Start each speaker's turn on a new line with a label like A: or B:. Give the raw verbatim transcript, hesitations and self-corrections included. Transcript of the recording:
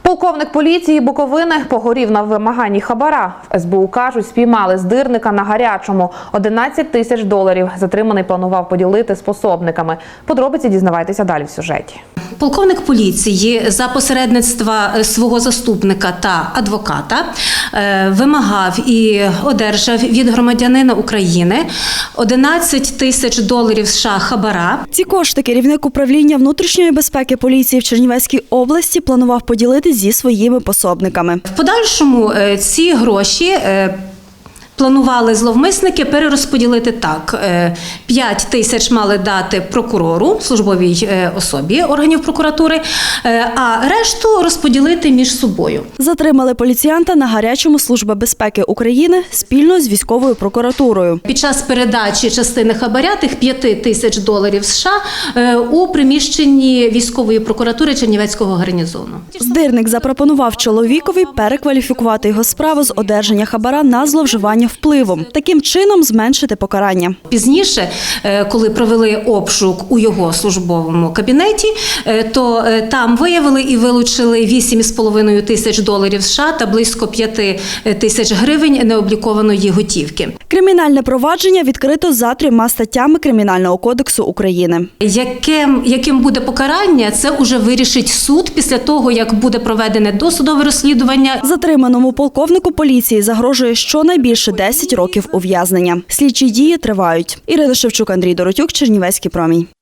A: Полковник поліції Буковини погорів на вимаганні хабара. В ес бе у кажуть, спіймали здирника на гарячому. одинадцять тисяч доларів затриманий планував поділити з пособниками. Подробиці дізнавайтеся далі в сюжеті.
B: Полковник поліції за посередництва свого заступника та адвоката вимагав і одержав від громадянина України одинадцять тисяч доларів США хабара.
C: Ці кошти керівник управління внутрішньої безпеки поліції в Чернівецькій області планував поділити зі своїми пособниками.
B: В подальшому ці гроші планували зловмисники перерозподілити так. п'ять тисяч мали дати прокурору, службовій особі органів прокуратури, а решту розподілити між собою.
C: Затримали поліціянта на гарячому Служба безпеки України спільно з військовою прокуратурою.
B: Під час передачі частини хабаря тих п'ять тисяч доларів США у приміщенні військової прокуратури Чернівецького гарнізону.
C: Здирник запропонував чоловікові перекваліфікувати його справу з одержання хабара на зловживання впливом. Таким чином зменшити покарання.
B: Пізніше, коли провели обшук у його службовому кабінеті, то там виявили і вилучили вісім з половиною тисяч доларів США та близько п'ять тисяч гривень необлікованої готівки.
C: Кримінальне провадження відкрито за трьома статтями Кримінального кодексу України.
B: Яким, яким буде покарання, це уже вирішить суд після того, як буде проведене досудове розслідування.
C: Затриманому полковнику поліції загрожує щонайбільше десять років ув'язнення. Слідчі дії тривають. Ірина Шевчук, Андрій Доротюк, Чернівецький промінь.